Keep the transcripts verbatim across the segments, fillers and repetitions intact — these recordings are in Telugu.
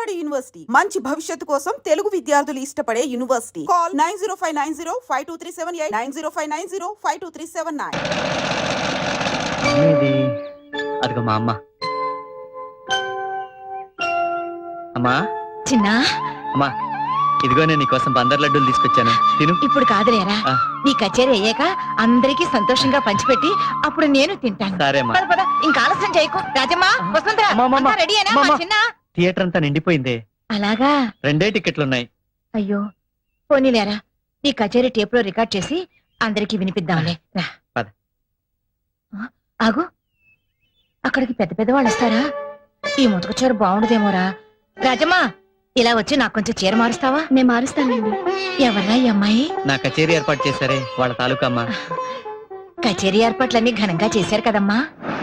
నాడు యూనివర్సిటీ మంచి భవిష్యత్తు కోసం తెలుగు విద్యార్థులు ఇష్టపడే university. Call nine zero five nine zero five two three seven eight nine zero five nine zero five two three seven nine. అదిగో మా అమ్మ. అమ్మా చిన్నా, అమ్మా ఇదిగో నేను నీకోసం బందర్ లడ్డూలు తీసుకొచ్చాను, తిను. ఇప్పుడు కాదులేరా, ఆ. నీ కచేరీ అయ్యాక అందరికి సంతోషంగా పంచిపెట్టి అప్పుడు నేను తింటాను. సరే అమ్మా. పద, పద, ఇంకా ఆలస్యం చేయకు. రాజమ్మా, వసుంధరా, అమ్మా, అమ్మా, అంతా రెడీ అయినా? అమ్మా, మా అమ్మా. చిన్న థియేటర్ అంతా నిండిపోయిందే. అలాగా? రెండే టికెట్లు ఉన్నాయి. అయ్యో, పోనీలేరా, నీ కచేరీ టేప్ లో రికార్డ్ చేసి అందరికి వినిపిద్దాంలే. రా. పద. ఆ, ఆగు, అక్కడికి పెద్ద పెద్ద వాళ్ళు వస్తారా? ఈ ముతక చీర బాగుండదేమోరా. రాజమ్మా, ఇలా వచ్చి నాకు కొంచెం చీర మారుస్తావా? నేను మారుస్తానండి. ఎవరా ఈ అమ్మాయి? నా కచేరీ ఏర్పాటు చేశారే వాళ్ళ తాలూకా అమ్మా. కచేరీ ఏర్పాట్లన్నీ ఘనంగా చేశారు కదమ్మా.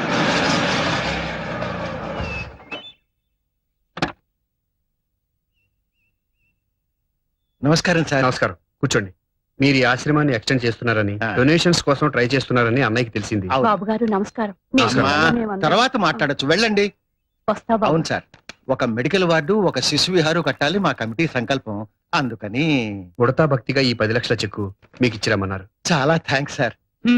నమస్కారం సార్. నమస్కారం, కూర్చోండి. మీరు ఈ ఆశ్రమాన్ని ఎక్స్టెండ్ చేస్తున్నారని, డొనేషన్స్ కోసం ట్రై చేస్తున్నారని అన్నయ్యకి తెలిసింది. బాబు గారు నమస్కారం. అమ్మా, తర్వాత మాట్లాడొచ్చు, వెళ్ళండి. వస్తా బాబు. అవును సార్, ఒక మెడికల్ వార్డు, ఒక శిశు విహారు కట్టాలి మా కమిటీ సంకల్పం. అందుకని ఉడతా భక్తిగా ఈ పది లక్షల చెక్కు మీకు ఇచ్చిరమ్మన్నారు. చాలా థ్యాంక్స్ సార్.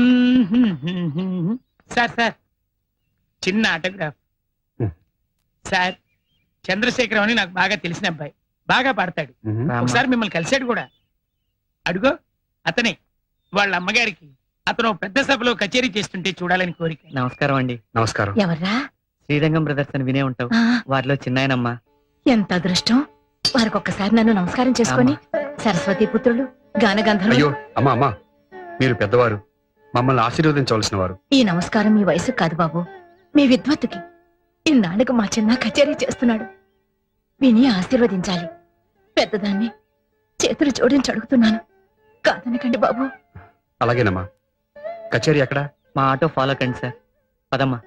సార్ సార్ చిన్న ఆటోగ్రాఫ్. హ్మ్. సార్, చంద్రశేఖరం అని నాకు బాగా తెలిసిన అబ్బాయి, బాగా పాడతాడు. మ్మ్. రామ్మా. ఒకసారి మిమ్మల్ని కలిశాడు కూడా. అడుగో అతనే. వాళ్ళ అమ్మగారికి అతను పెద్ద సభలో కచేరీ చేస్తుంటే చూడాలని కోరిక. నమస్కారం అండి. నమస్కారం. ఎవర్రా? శ్రీరంగం బ్రదర్స్ అని వినే ఉంటావు, ఆ, వారిలో చిన్నాయనమ్మా. ఎంత అదృష్టం. వారికి ఒక్కసారి నన్ను నమస్కారం చేసుకొని, సరస్వతి పుత్రులు గానగంధర్వులు. అయ్యో అమ్మా అమ్మా, మీరు పెద్దవారు, మమ్మల్ని ఆశీర్వదించవలసిన వారు. ఈ నమస్కారం మీ వయసు కాదు బాబు, మీ విద్వత్తుకి. ఇన్నాళ్ళకు మా చిన్న కచేరీ చేస్తున్నాడు, విని ఆశీర్వదించాలి. పెద్దదాన్ని చేతులు జోడించి అడుగుతున్నాను, కాదనకండి బాబు. అలాగేనమ్మా. కచేరీ ఎక్కడ? మా ఆటో ఫాలో కండి సార్. పదమ్మా.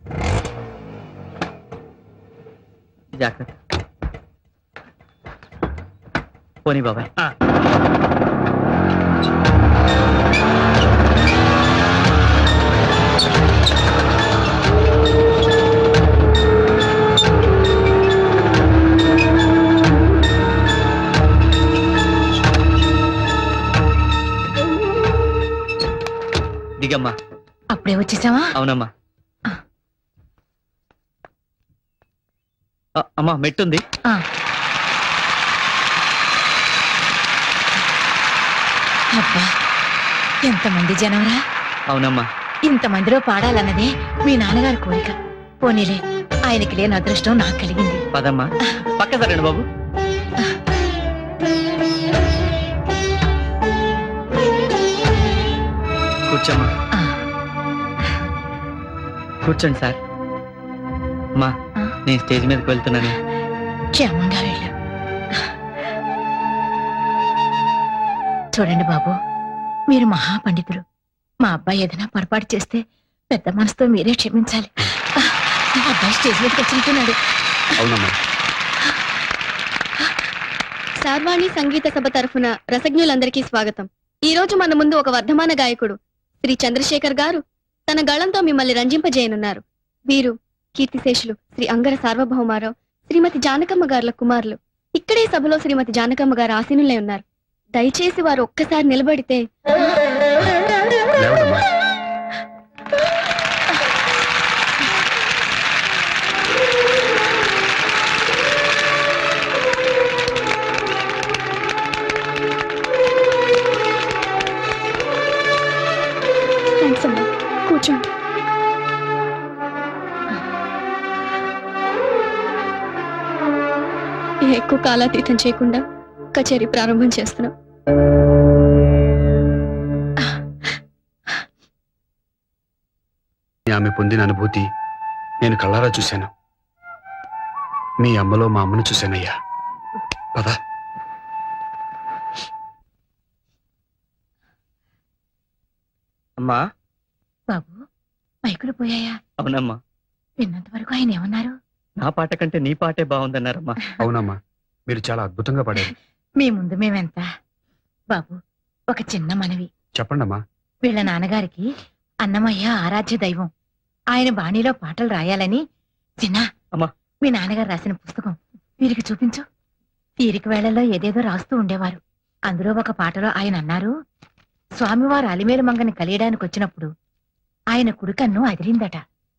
జాగ్రత్త. పోనీ బాబాయ్. ఆ. దిగమ్మా. అప్పుడే వచ్చేసావా? అవునమ్మా. ఆ, అమ్మా మెట్టుంది. ఆ. అబ్బా, ఎంతమంది జనవరా. అవునమ్మా. ఇంతమందిలో పాడాలన్నదే మీ నాన్నగారి కోరిక. పోనీలే, ఆయనకి లేని అదృష్టం నాకు కలిగింది. పదమ్మా. పక్క సరండి బాబు. కూర్చోమ్మా. ఆ, కూర్చోండి సార్. అమ్మా, ఆ. నేను స్టేజ్ మీదకి వెళ్తున్నాను. క్షేమంగా వెళ్ళు. చూడండి బాబు, మీరు మహాపండితులు. మా అబ్బాయి ఏదైనా పొరపాటు చేస్తే పెద్ద మనసుతో మీరే క్షమించాలి. ఆ, నా అబ్బాయి స్టేజ్ మీదకి వచ్చినట్టున్నాడు. అవునమ్మా. సార్వాణి సంగీత సభ తరఫున రసజ్ఞులందరికీ స్వాగతం. ఈ రోజు మన ముందు ఒక వర్ధమాన గాయకుడు శ్రీ చంద్రశేఖర్ గారు తన గళంతో మిమ్మల్ని రంజింపజేయనున్నారు. వీరు కీర్తిశేషులు శ్రీ అంగర సార్వభౌమారావు, శ్రీమతి జానకమ్మ గారుల కుమారులు. ఇక్కడే సభలో శ్రీమతి జానకమ్మ గారు ఆసీనులై ఉన్నారు. దయచేసి వారు ఒక్కసారి నిలబడితే. లేవడమ్మా. థ్యాంక్స్ అమ్మా, కూర్చోండి. ఎక్కువ కాలాతీతం చేయకుండా కచేరీ ప్రారంభం చేస్తున్నాం. ఆమె పొందిన అనుభూతి నేను కళ్ళారా చూశాను. మీ అమ్మలో మా అమ్మను చూశానయ్యా. పద. అమ్మా. బాబు, మైకులు పోయాయా? అవునమ్మా. విన్నంత వరకు ఆయన ఏమన్నారు? నా పాట కంటే నీ పాటే బాగుందన్నారమ్మా. అవునమ్మా, మీరు చాలా అద్భుతంగా పాడారు. మీ ముందు మేమెంత. బాబు, ఒక చిన్న మనవి. చెప్పండమ్మా. వీళ్ళ నాన్నగారికి అన్నమయ్య ఆరాధ్య దైవం. ఆయన బాణీలో పాటలు రాయాలని చిన్న అమ్మా. మీ నాన్నగారు రాసిన పుస్తకం వీరికి చూపించు. తీరిక వేళల్లో ఏదేదో రాస్తూ ఉండేవారు. అందులో ఒక పాటలో ఆయన అన్నారు, స్వామివారు అలిమేలు మంగని కలియడానికి వచ్చినప్పుడు ఆయన కుడికన్ను అదిరిందట.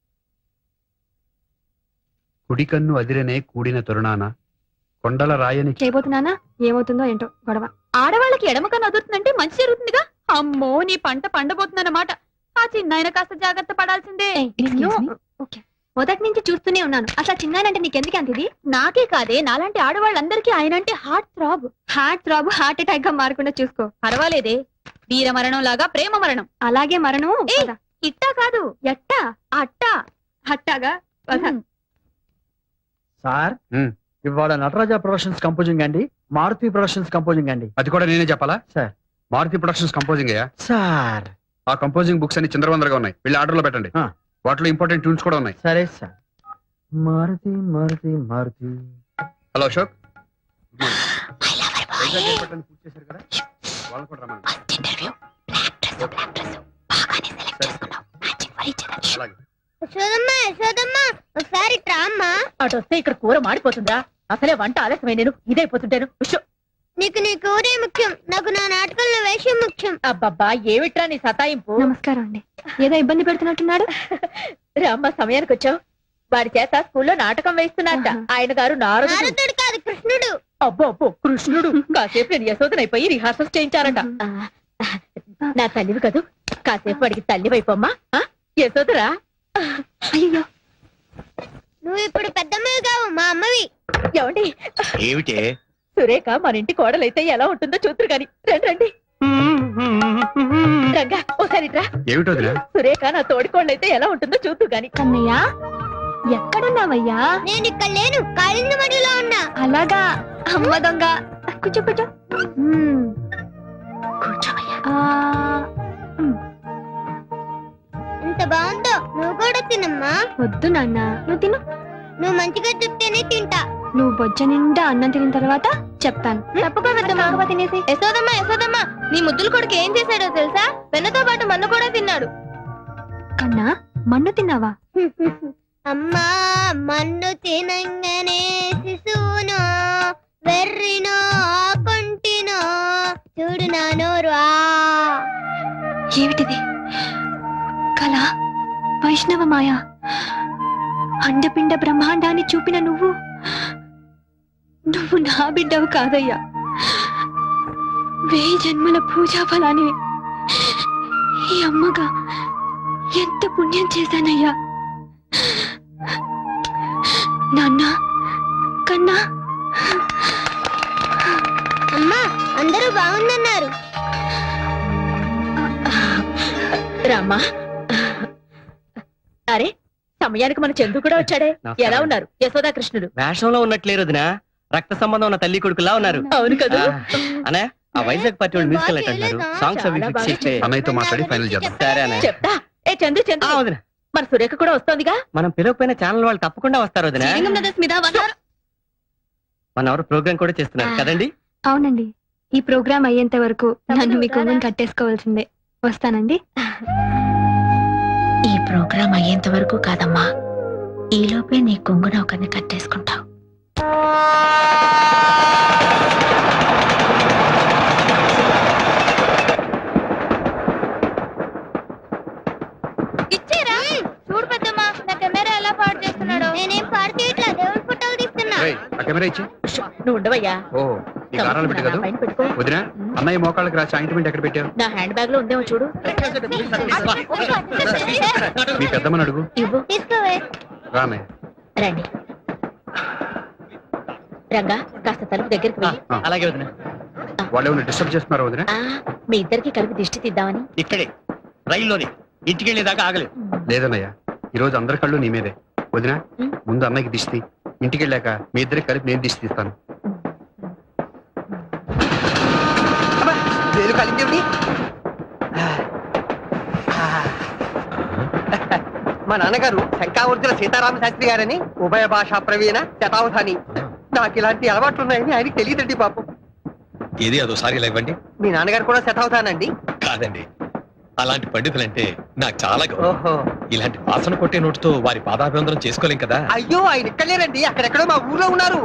కుడికన్ను అదిరనే కూడిన తరుణాన కొండల రాయని చేయబోతున్నానా ఏమవుతుందో ఏంటో గొడవ. ఆడవాళ్ళకి ఎడమ కన్ను అదురుతుందంటే మంచి జరుగుతుందిగా. అమ్మో, నీ పంట పండబోతుందన్నమాట. ఆ చిన్నాయన కాస్త జాగ్రత్త పడాల్సిందే. మొదటి నుంచి చూస్తూనే ఉన్నాను. అసలు చిన్నానంటే నీకెందుకు అంత ఇది? నాకే కాదే, నాలాంటి ఆడవాళ్ళందరికీ ఆయన అంటే heart throb. Heart throb heart attack గా మారకుండా చూసుకో. పర్వాలేదే, వీర మరణం లాగా ప్రేమ మరణం. అలాగే మరణం. ఏయ్, పద. ఇట్టా కాదు, ఎట్టా అట్టా. హట్టాగా పద. Sir um. ఇవాళ నటరాజా ప్రొడక్షన్స్ కంపోజింగ్ అండి, మారుతి ప్రొడక్షన్స్ కంపోజింగ్ అండి. అది కూడా నేనే చెప్పాలా? సార్. మారుతి ప్రొడక్షన్స్ కంపోజింగ్ అయ్యా. సార్ ఆ కంపోజింగ్ బుక్స్ అన్ని చిందరవందరగా ఉన్నాయి, వెళ్ళి ఆర్డర్ లో పెట్టండి. ఆ. వాటిలో ఇంపార్టెంట్ ట్యూన్స్ కూడా ఉన్నాయి. సరే sir. Maruti Maruti Maruti. Hello Ashok, good morning. Vizag airport పూర్తి చేశారు కదా, వాళ్ళని కూడా రమ్మనండి. అలాగే. యశోదమ్మా యశోదమ్మా ఒకసారి ట్రామ్మా. అటు వస్తే ఇక్కడ కూర మాడిపోతుందా? అసలే వంట ఆలస్యమై నేను ఇదైపోతుంటాను. ఉష్. నీకు నీ కూరే ముఖ్యం, నాకు నా నాటకంలో వేషం ముఖ్యం. అబ్బబ్బా, ఏమిట్రా నీ సతాయింపు? నమస్కారం అండి. ఏదో ఇబ్బంది పెడుతున్నట్టున్నాడు. రామ్మ, సమయానికి వచ్చావు. వాడి చేత స్కూల్లో నాటకం వేస్తున్నారట. ఆహా. ఆయన గారు నారదుడు. నారదుడు కాదు కృష్ణుడు. అబ్బో అబ్బో, కృష్ణుడు. కాసేపు నేను యశోదనైపోయి రిహార్సల్స్ చేయించారట. ఆ, నా తల్లివి కదూ, కాసేపు వాడికి తల్లివైపోమ్మా. ఆ, యశోదరా. అయ్యో, నువ్వు ఇప్పుడు పెద్దమ్మవి కావు, మా అమ్మవి. ఏమండి, ఏమిటే? సురేఖ మన ఇంటి కోడలైతే ఎలా ఉంటుందో చూతురు గాని. రండి రండి. రంగా, ఓసారి రా. ఏమిటో వదినా? సురేఖ నా తోడికోళ్ళైతే ఎలా ఉంటుందో చూతురు గాని. కన్నయ్య ఎక్కడున్నావయ్యా? నేను ఇక్కడ లేను, కాళింద మడిలో ఉన్నా. అలాగా, అమ్మ దొంగ. కూర్చో కూర్చో. మ్మ్. కూర్చోవయ్యా. ఆ, ఎంత బాగుందో, నువ్వు కూడా తినమ్మా. వద్దు నాన్న, నువ్వు తిను. నువ్వు మంచిగా చెప్తేనే తింటా. నువ్వు బొజ్జ నిండా అన్నం తిన్న తర్వాత చెప్తాను. తప్పుకో తినేసి. యశోదమ్మా యశోదమ్మా, నీ ముద్దుల కొడుకు ఏం చేశాడో తెలుసా? వెన్నతో పాటు మన్ను కూడా తిన్నాడు. కన్నా, మన్ను తిన్నావా? అమ్మా మన్ను తినంగానే శిశువునో వెర్రినో కొంటినో చూడు నా నోరు. ఆ ఏమిటిది? కళ, వైష్ణవ మాయ, అండపిండ బ్రహ్మాండాన్ని చూపిన నువ్వు నువ్వు నా బిడ్డవు కాదయ్యా. వెయ్యి జన్మల పూజా ఫలాన్ని ఈ అమ్మగా ఎంత పుణ్యం చేశానయ్యా. నాన్న, కన్నా. అమ్మా అందరూ బాగుందన్నారు. రామ్మా. అరే, సమయానికి మన చందు కూడా వచ్చాడే. నమస్కారం. ఎలా ఉన్నారు యశోదా కృష్ణుడు? వేషంలో ఉన్నట్లేరు వదినా, రక్త సంబంధం ఉన్న తల్లి కొడుకులా ఉన్నారు. అవును కదా. అనే ఆ వైజాగ్ పార్టీ వాళ్ళు మ్యూజికల్ నైట్ అంటున్నారు. సాంగ్స్ అవి చాలా ఫిక్స్ బాగా చేస్తే అన్నయ్యతో మాట్లాడి ఫైనల్ చేద్దాం. సరే అనే. చెప్తా. ఏ చందు చందు, ఆ, వదినా, మన సురేఖ కూడా వస్తోందిగా. మనం పిలవకపోయిన ఛానల్ వాళ్ళు తప్పకుండా వస్తారు వదినా. మన ఎవరు ప్రోగ్రామ్ కూడా చేస్తున్నారు కదండి. అవునండి, ఈ ప్రోగ్రాం అయ్యేంత వరకు నన్ను మీ కొంగుని కట్టేసుకోవాల్సిందే. వస్తానండి. ఈ ప్రోగ్రాం అయ్యేంత వరకు కాదమ్మా, ఈ లోపే నీ కొంగున ఒకరిని కట్టేసుకుంటావు. ఇచ్చేరా చూడు పెద్దమ్మా, నా కెమెరా ఎలా పాడు చేస్తున్నాడు. నేనేం పాడు చేయట్లా, దేవుడి ఫోటోలు తీస్తున్నా. రేయ్, ఆ కెమెరా ఇచ్చి. నువ్వు ఉండవయ్యా. ఓ, ఈ కారాలు పెట్టి కదా. పైన పెట్టుకో. వదినా, అన్నయ్య మోకాళ్ళకి రాసి ఆయింట్మెంట్ ఎక్కడ పెట్టావు? నా హ్యాండ్ బ్యాగ్ లో ఉందేమో చూడు. మీ పెద్దమ్మని అడుగు. ఇవ్వు. తీసుకోవే. రామే. రండి. రంగా, కాస్త తలుపు దగ్గరికి వెళ్ళి. ఆ, అలాగే వదినా. వాళ్ళు ఏమైనా డిస్టర్బ్ చేస్తున్నారా వదినా? ఆ, మీ ఇద్దరికి కలిపి దిష్టి తీద్దామని. ఇక్కడే రైల్లోనే ఇంటికి వెళ్ళేదాకా ఆగలేదు. లేదన్నయ్య, ఈ రోజు అందరి కళ్ళు నీ మీదే. వదినా, ముందు అన్నయ్యకి దిష్టి, ఇంటికి వెళ్ళాక మీ ఇద్దరికి కలిపి నేను దిష్టి తీస్తాను. మా నాన్నగారు శంకావర్జున సీతారామ శాస్త్రి గారని ఉభయ భాషా ప్రవీణ శతావధాని. నాకు ఇలాంటి అలవాట్లు ఉన్నాయని ఆయనకి తెలియదండి పాపం. ఏది అదోసారి ఇలా ఇవ్వండి. మీ నాన్నగారు కూడా శతావధానండి? కాదండి, అలాంటి పండితులంటే నాకు చాలా గౌరవం. ఓహో. ఇలాంటి వాసన కొట్టే నోటుతో వారి పాదాభివందనం చేసుకోలేం కదా. అయ్యో, ఆయన ఇక్కడ లేరండి, అక్కడెక్కడో మా ఊర్లో ఉన్నారు.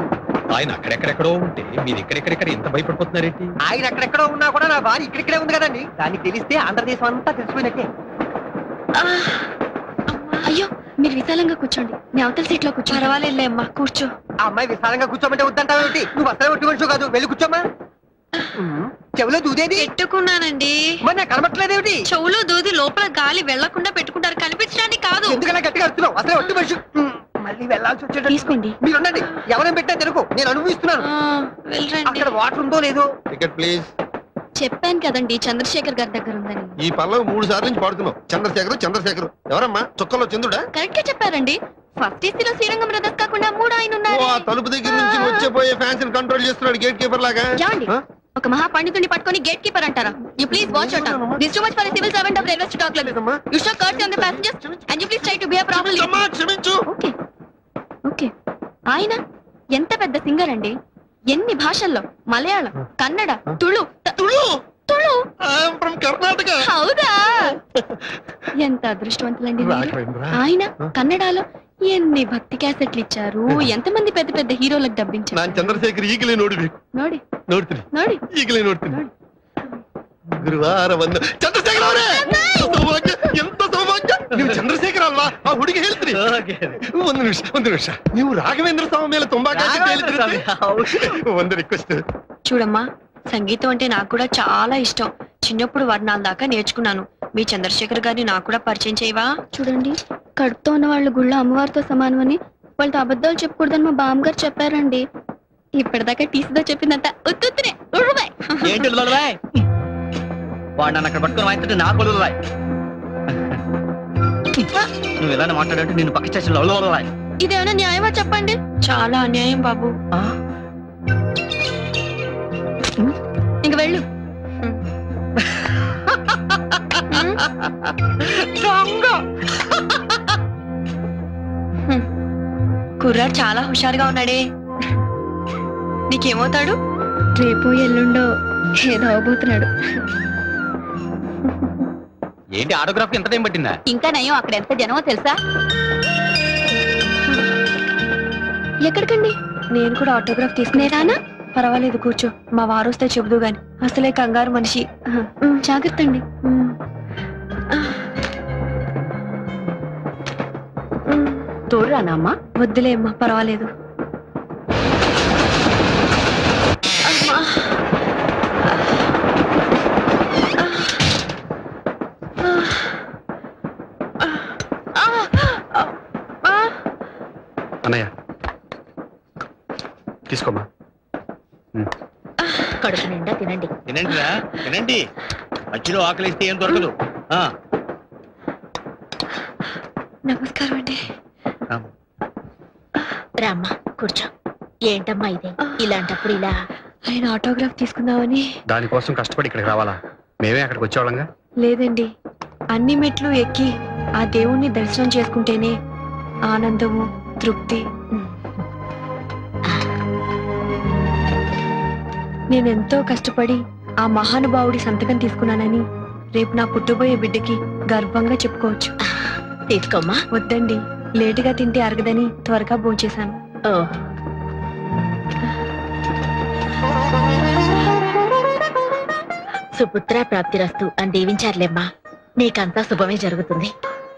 ఆయన అక్కడెక్కడెక్కడో ఉంటే మీరు ఇక్కడెక్కడెక్కడ ఎంత భయపడిపోతున్నారేంటి? ఆయన అక్కడెక్కడో ఉన్నా కూడా నా భార్య ఇక్కడిక్కడే ఉంది కదండి. దానికి తెలిస్తే ఆంధ్రదేశం అంతా తెలిసిపోయినట్టే. ఆ, అయ్యో మీరు విశాలంగా కూర్చోండి, మీ అవతల సీట్ లో కూర్చో. పర్వాలేదులే అమ్మా, కూర్చో. ఆ అమ్మాయి విశాలంగా కూర్చోమంటే వద్దంటావేంటి? నువ్వు అసలు ఒట్టి మనిషి కాదు, వెళ్ళి కూర్చోమ్మా. ఉమ్, చెవిలో దూదేది పెట్టుకున్నానండి. మరి నాకు కనబట్టలేదేమిటి? చెవులో దూది లోపల గాలి వెళ్లకుండా పెట్టుకుంటారు, కనిపించడానికి కాదు. ఎందుకలా గట్టిగా అడుగుతున్నావు? అసలు ఒట్టి మనిషి. ఉమ్, మళ్ళీ వెళ్ళాల్సి వచ్చేటట్టు. తీసుకోండి. మీరు ఉండండి, ఎవరైనా పెట్టా తెలుగు నేను అనుభవిస్తున్నాను. వెళ్ళండి. అక్కడ వాటర్ ఉందో లేదో. Ticket please. చెప్పాను కదండి చంద్రశేఖర్ గారి దగ్గర ఉందని. ఈ పల్లవి మూడు సార్లు నుంచి పాడుతున్నావు. చంద్రశేఖర్ చంద్రశేఖర్ ఎవరమ్మా? చుక్కలో చంద్రుడా? కరెక్ట్ గా చెప్పారండి. ఫస్ట్ ఏసీలో శ్రీరంగం బ్రదర్స్ కాకుండా మూడు ఆయన ఓ, ఉన్నారు. ఆ తలుపు దగ్గర నుంచి వచ్చే పోయే ఫ్యాన్స్ కంట్రోల్ చేస్తున్నాడు గేట్ కీపర్ లాగా. ఏమండి? ఆ? ఒక మహా పండితుడిని పట్టుకొని గేట్ కీపర్ అంటారా? You please watch out. This too much for civil servant of railway stack level. లేదమ్మా. You show curt on the passengers and you please try to behave properly. అమ్మా, క్షమించు. Okay okay. ఆయన ఎంత పెద్ద సింగర్ అండి. ఎన్ని భాషల్లో, మలయాళం, కన్నడ, తుళు త- తుళు తుళు ఐఎమ్ ఫ్రమ్ కర్ణాటక. హౌదా? ఎంత అదృష్టవంతులండి మీరు. రాఘవేంద్ర. ఆయన కన్నడలో ఎన్ని భక్తి క్యాసెట్లు ఇచ్చారు, ఎంతమంది పెద్ద పెద్ద హీరోలకు ನಾನ್ డబ్బించారు. ಚಂದ್ರಶೇಖರ್ ಈಗಲೇ ನೋಡ್ಬೇಕು. ನೋಡಿ ನೋಡ್ತೀನಿ ನೋಡಿ ಈಗಲೇ ನೋಡ್ತೀನಿ. ಗುರುವಾರ ಬಂದ ಚಂದ್ರಶೇಖರ್ ಅವರೇ, ಸೌಭಾಗ್ಯ, ಎಂತ ಸೌಭಾಗ್ಯ. ನೀವು ಚಂದ್ರಶೇಖರ್ ಅಲ್ವಾ? ಆ ಹುಡುಗಿ ಹೇಳ್ತೀರಿ. ಒಂದು ನಿಮಿಷ ಒಂದು ನಿಮಿಷ ನೀವು ರಾಘವೇಂದ್ರ ಸ್ವಾಮಿ ಮೇಲೆ ತುಂಬಾ ಕಾಳಜಿ ಹೇಳ್ತೀರಿ. ಒಂದು ರಿಕ್ವೆಸ್ಟ್. చూడమ్మా, సంగీతం అంటే నాకు కూడా చాలా ఇష్టం. చిన్నప్పుడు వర్ణాల దాకా నేర్చుకున్నాను. మీ చంద్రశేఖర్ గారిని నాకు కూడా పరిచయం చేయవా? చూడండి, కడుపుతో ఉన్న వాళ్ళ గుళ్ళో అమ్మవారితో సమానమని వాళ్ళతో అబద్ధాలు చెప్పకూడదని మా బామ్మగారు చెప్పారండి. ఇప్పటిదాకా టీసీతో చెప్పిందంట ఉత్తుత్తునే ఉరువై. ఏంటి ఉల్లులవాయ్? వాడు నన్ను అక్కడ పట్టుకొని వాయించుంటే నాకు ఉల్లులవాయ్. నువ్వు ఇలానే మాట్లాడంటే నేను పక్క స్టేషన్లో ఉల్లులవాయ్. ఇదేమైనా న్యాయమా చెప్పండి? చాలా అన్యాయం బాబు. ఇంక వెళ్ళు. కుర్రాడు చాలా హుషారుగా ఉన్నాడే. నీకేమవుతాడు? రేపు ఎల్లుండో ఏదో అవబోతున్నాడు. ఏంటి ఆటోగ్రాఫ్ ఎంత టైం పట్టిందా? ఇంకా నయం, అక్కడ ఎంత జనమో తెలుసా? ఎక్కడికండి? నేను కూడా ఆటోగ్రాఫ్ తీసుకునేదానా? పర్వాలేదు, కూర్చో. మా వారు వస్తే చెబుదు గాని. అసలే కంగారు మనిషి. జాగ్రత్త అండి. తోడురానమ్మా? వద్దులే అమ్మా, పర్వాలేదు. అన్నయ్య తీసుకోమ్మా. కడుపు నిండా తినండి. తినండి రా తినండి. మధ్యలో ఆకలిస్తే ఏం దొరకదు. ఆ, నమస్కారం అండి. రామ్మా, కూర్చో. ఏంటమ్మా ఇది? ఇలాంటప్పుడు ఇలా ఆయన ఆటోగ్రాఫ్ తీసుకుందామని. దానికోసం కష్టపడి ఇక్కడికి రావాలా? మేమే అక్కడికి వచ్చేవాళ్ళంగా. లేదండి, అన్ని మెట్లు ఎక్కి ఆ దేవుణ్ణి దర్శనం చేసుకుంటేనే ఆనందము, తృప్తి. నేనెంతో కష్టపడి ఆ మహానుభావుడి సంతకం తీసుకున్నానని రేపు నా పుట్టబోయే బిడ్డకి గర్వంగా చెప్పుకోవచ్చు. తీసుకోమ్మా. వద్దండి, లేటుగా తింటే అరగదని త్వరగా భోంచేశాను. ఓ, సుపుత్ర ప్రాప్తిరస్తు అని దీవించారులేమ్మా. నీకంతా శుభమే జరుగుతుంది.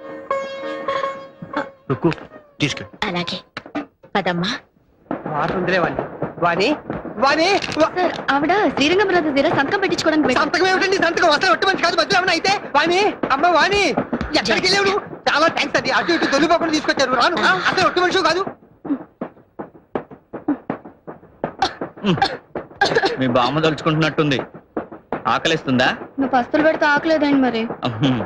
రుక్కు తీసుకు. అలాగే పదమ్మా. వాటర్ ఉందిలే వాణి. వాణి వాణి వా- సార్, ఆవిడ శ్రీరంగం బ్రదర్స్ దగ్గర సంతకం పెట్టించుకోవడానికి వెళ్ళారు. సంతకం ఏమిటండి? సంతకం అసలు ఒట్టి మనిషి కాదు, మధ్యలో ఏమన్నా అయితే. వాణి, అమ్మ వాణి, ఎక్కడికి వెళ్ళావు నువ్వు? చాలా థ్యాంక్స్ అండి, అటు ఇటు దొల్లిపోకుండా తీసుకొచ్చారు. రాను, అసలు ఒట్టి మనిషి కాదు. మీ బామ్మ తలుచుకుంటున్నట్టుంది. ఆకలిస్తుందా? నువ్వు పస్తులు పెడితే ఆకలేదండి మరి. అహం.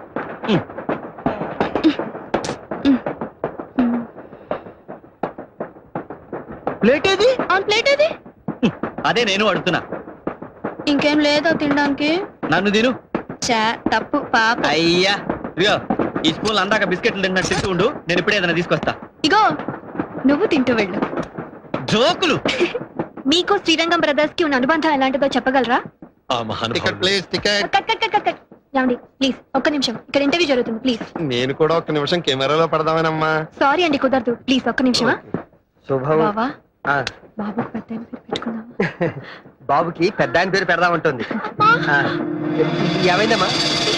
ప్లేట్ ఏది? ఆ ప్లేట్ ఏది? అదే నేను అడుగుతున్నా. ఇంకేం లేదా తినడానికి? నన్ను తిను. చా తప్పు పాప. అయ్యా ఇదిగో, ఈ స్పూన్ అందాక బిస్కెట్లు తిన్నట్టు తింటూ ఉండు. నేను ఇప్పుడే ఏదైనా తీసుకొస్తా. ఇగో, నువ్వు తింటూ వెళ్ళు. జోకులు. మీకు శ్రీరంగం బ్రదర్స్ కి ఉన్న అనుబంధం ఎలాంటిదో చెప్పగలరా? Ticket please. Ticket. Cut cut cut cut cut. ఏమండి, ప్లీజ్ ఒక్క నిమిషం, ఇక్కడ ఇంటర్వ్యూ జరుగుతుంది. ప్లీజ్. నేను కూడా ఒక్క నిమిషం కెమెరాలో పడదామేనమ్మా. సారీ అండి, కుదరదు. ప్లీజ్ ఒక్క నిమిషమా. శుభం. బావా, ఆ, బాబు పెద్ద ఆయన పేరు పెట్టుకుందామా? బాబుకి పెద్ద ఆయన పేరు పెడదామంటుంది ఆ, ఏమైందమ్మా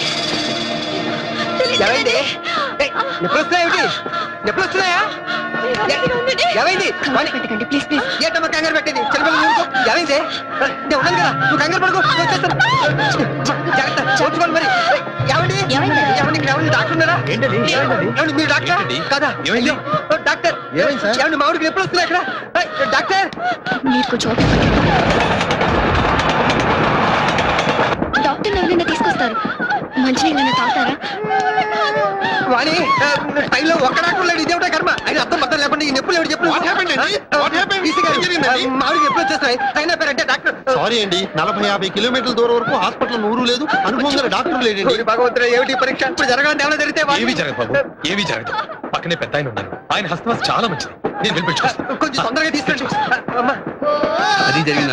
ఏమైంది ఏయ్, నొప్పులు వస్తున్నాయేమిటి నొప్పులు వస్తున్నాయా ఏ- ఏమైంది వాణి, పెట్టకండి ప్లీజ్ ప్లీజ్. ఏంటమ్మా కంగారు పెట్టింది చిన్నపిల్లలు ఊరుకో. ఏమైంది ఆ, నేను ఉన్నాను కదా నువ్వు కంగారు పడుకో నేను వచ్చేస్తాను. జాగ్రత్త చూసుకోండి మరి ఏమండి ఏమైంది? ఏమండి ఇక్కడ ఏమండి డాక్టర్ ఉన్నారా ఏంటది ఏమండి మీరు డాక్టర్ కదా ఏమైంది? అయ్యో, ఓ, డాక్టర్ ఏమైంది సార్? ఏమండి మామిడికి నొప్పులు వస్తున్నాయి ఇక్కడ ఏయ్, డాక్టర్ మీరు కొంచెం డాక్టర్ ఎవరైనా తీసుకొస్తారు మంచినీళ్ళైనా తాగుతారా? వాణి టైంలో ఒక్క డాక్టర్ లేడు ఇదేమిటో కర్మ ఆయన అర్థం అర్థం లేకుండా ఈ నొప్పులు ఎవరు చెప్పు What happened అండి? What happened? ఏం జరిగిందండి? మామిడికి ఎప్పుడు వచ్చేస్తాయి అయినా పేరంటే డాక్టర్ సారీ అండి నలభై యాభై కిలోమీటర్ల దూరం వరకు హాస్పిటల్ నూరు లేదు అనుభవం గల డాక్టర్ లేడండి ఓరి భగవంతుడా ఏమిటి ఈ పరీక్ష ఇప్పుడు జరగాలంటే ఏమైనా జరిగితే వాణి- ఏమీ జరగదు బాబు ఏమీ జరగదు పక్కనే పెద్ద ఆయన ఉన్నారు ఆయన హస్తవాసి చాలా మంచిది నేను వెళ్ళి కొంచెం తొందరగా తీసుకెళ్ళి అమ్మా అది జరిగిందా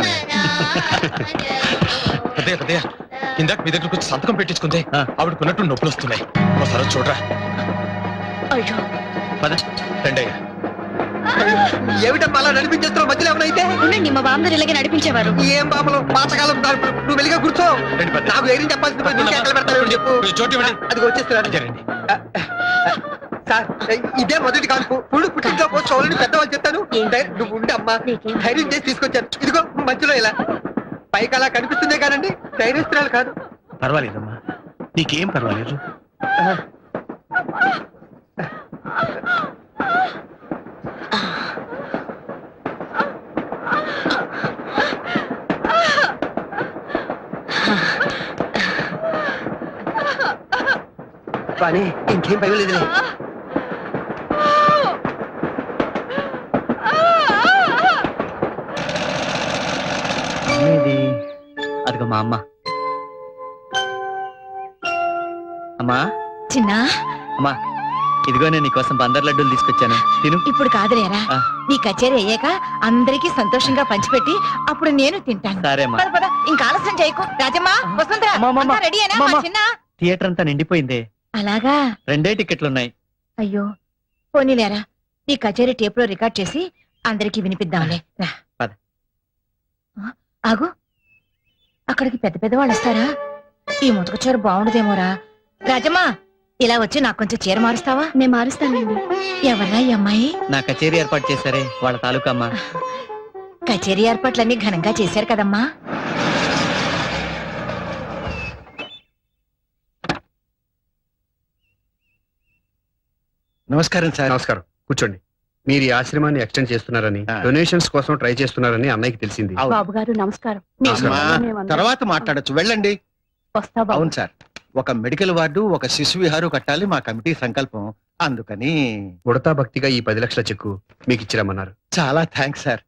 పెద్దయ్య పెద్దయ్య ఇందాక మీ దగ్గరకు వచ్చి సంతకం పెట్టించుకుంటే ఆ. ఆవిడకున్నట్టు నొప్పులు వస్తున్నాయి ఒకసారి వచ్చి చూడరా అయ్యో పద. రెండయ్య ఏమిటమ్మా అలా నడిపించేస్తున్నావు మధ్యలో ఏమైనా అయితే ఉండండి మా బామ్మగారు ఇలాగే నడిపించేవారు. ఏం బాబులు పాతకాలం దాడుపులు. నువ్వు వెళ్ళిగా కూర్చో రండి పెద్ద. నాకు ఏం చెప్పాల్సింది పోయి నువ్వు కేకలు పెడతావేమో చెప్పు కొంచెం చోటు ఇవ్వండి. అది వచ్చేస్తున్నాను రండి సార్ ఇదే మొదటి కాల్పు పుడు పుట్టింట్లో పోస్ట్ చూడాలని పెద్దవాళ్ళు చెప్తాను ధై- నువ్వు ఉండి అమ్మా ధైర్యం చేసి తీసుకొచ్చాను ఇదిగో మధ్యలో ఇలా పైకి అలా కనిపిస్తుందే కానండి ధైర్యస్తురాలు కాదు పర్వాలేదమ్మా నీకేం పర్వాలేదు కానీ ఇంకేం భయం లేదులే ఇది అదిగో మా అమ్మ అమ్మా చిన్న అమ్మా ఇదిగో నేను నీకోసం బందర్ లడ్డూలు తీసుకొచ్చాను తిను ఇప్పుడు కాదులేరా ఆ. నీ కచేరీ అయ్యాక అందరికీ సంతోషంగా పంచిపెట్టి అప్పుడు నేను తింటాను. సరే అమ్మా పద పద ఇంకా ఆలస్యం చేయకు. రాజమ్మా వసుంధర అమ్మా, అమ్మా, అంతా రెడీ అయినా మా అమ్మా. చిన్న? థియేటర్ అంతా నిండిపోయిందే అలాగా రెండే టికెట్లు ఉన్నాయి అయ్యో పోనీలేరా నీ కచేరీ టేప్ లో రికార్డ్ చేసి అందరికీ వినిపిద్దాంలే రా పద. ఆ, ఆగు అక్కడికి పెద్ద పెద్ద వాళ్ళు వస్తారా ఈ ముతక చీర బాగుండదేమోరా. రాజమ్మా ఇలా వచ్చి నాకు కొంచెం చీర మారుస్తావా? నేను మారుస్తానండి. ఎవరా ఈ అమ్మాయి? నా కచేరీ ఏర్పాటు చేశారే వాళ్ళ తాలూకా అమ్మా కచేరీ ఏర్పాట్లన్నీ ఘనంగా చేశారు కదమ్మా. నమస్కారం సార్ నమస్కారం కూర్చోండి మీరు ఈ ఆశ్రమాన్ని ఎక్స్టెండ్ చేస్తున్నారని ఆ. డొనేషన్స్ కోసం ట్రై చేస్తున్నారని అన్నయ్యకి తెలిసింది అవును. బాబు గారు నమస్కారం. అమ్మా, తర్వాత మాట్లాడొచ్చు వెళ్ళండి వస్తా బాబు. అవును సార్ ఒక మెడికల్ వార్డు ఒక శిశు విహారు కట్టాలి మా కమిటీ సంకల్పం అందుకని ఉడతా భక్తిగా ఈ పది లక్షల చెక్కు మీకు ఇచ్చిరమ్మన్నారు చాలా థ్యాంక్స్ సార్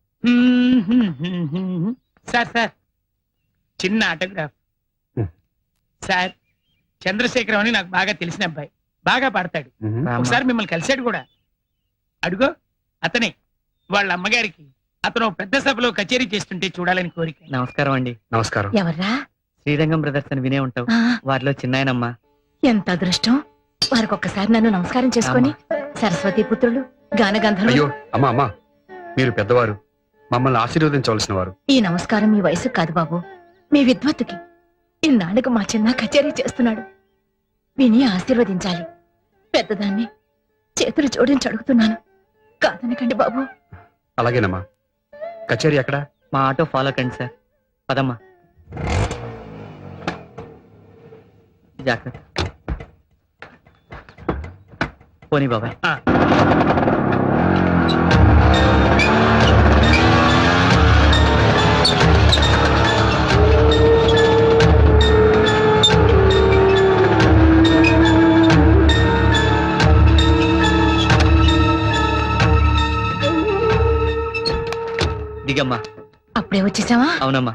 సార్ సార్ చిన్న ఆటోగ్రాఫ్ హ్మ్. సార్ చంద్రశేఖరం అని నాకు బాగా తెలిసిన అబ్బాయి బాగా పాడతాడు మ్మ్. ఒకసారి మిమ్మల్ని కలిశాడు కూడా అడుగో అతనే వాళ్ళ అమ్మగారికి అతను పెద్ద సభలో కచేరీ చేస్తుంటే చూడాలని కోరిక నమస్కారం అండి నమస్కారం ఎవర్రా? శ్రీరంగం బ్రదర్స్ అని వినే ఉంటావు ఆ, వారిలో చిన్నాయనమ్మా ఎంత అదృష్టం. వారికి ఒక్కసారి నన్ను నమస్కారం చేసుకొని సరస్వతి పుత్రులు గాన గంధర్వులు. అయ్యో అమ్మా అమ్మా మీరు పెద్దవారు మమ్మల్ని ఆశీర్వదించవలసిన వారు ఈ నమస్కారం మీ వయసు కాదు బాబు మీ విద్వత్తుకి. ఇన్నాళ్ళకు మా చిన్న కచేరీ చేస్తున్నాడు విని ఆశీర్వదించాలి. పెద్దదాన్ని చేతులు జోడించి అడుగుతున్నాను కాదనకండి బాబు. అలాగేనమ్మా కచేరీ ఎక్కడ మా ఆటో ఫాలో కండి సార్ పదమ్మా జాగ్రత్త పోనీ బాబాయ్ ఆ. దిగమ్మా అప్పుడే వచ్చేసావా? అవునమ్మా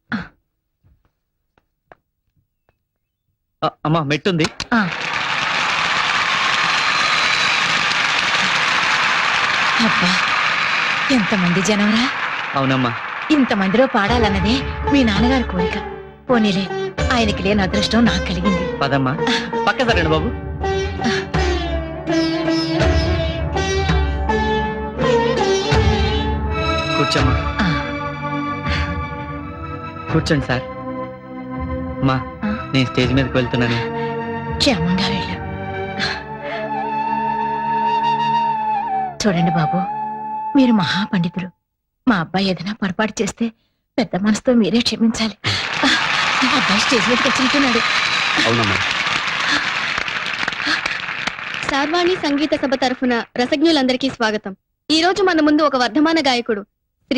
ఆ, అమ్మా మెట్టుంది ఆ. అబ్బా ఎంతమంది జనంరా. అవునమ్మా ఇంతమందిలో పాడాలన్నదే మీ నాన్నగారి కోరిక. పోనీలే ఆయనకి లేని అదృష్టం నాకు కలిగింది. పదమ్మా పక్క సరేండి బాబు కూర్చోమ్మా ఆ, కూర్చోండి సార్ మా ఆ? నేను స్టేజ్ మీదకి వెళ్తున్నాను క్షేమంగా వెళ్ళు. చూడండి బాబు, మీరు మహాపండితులు. మా అబ్బాయి ఏదైనా పొరపాటు చేస్తే పెద్ద మనసుతో మీరే క్షమించాలి. ఆ, మా అబ్బాయి స్టేజ్ మీదకి వచ్చినట్టున్నాడు. అవునమ్మా. సార్వాణి సంగీత సభ తరఫున రసజ్ఞులందరికీ స్వాగతం. ఈ రోజు మన ముందు ఒక వర్ధమాన గాయకుడు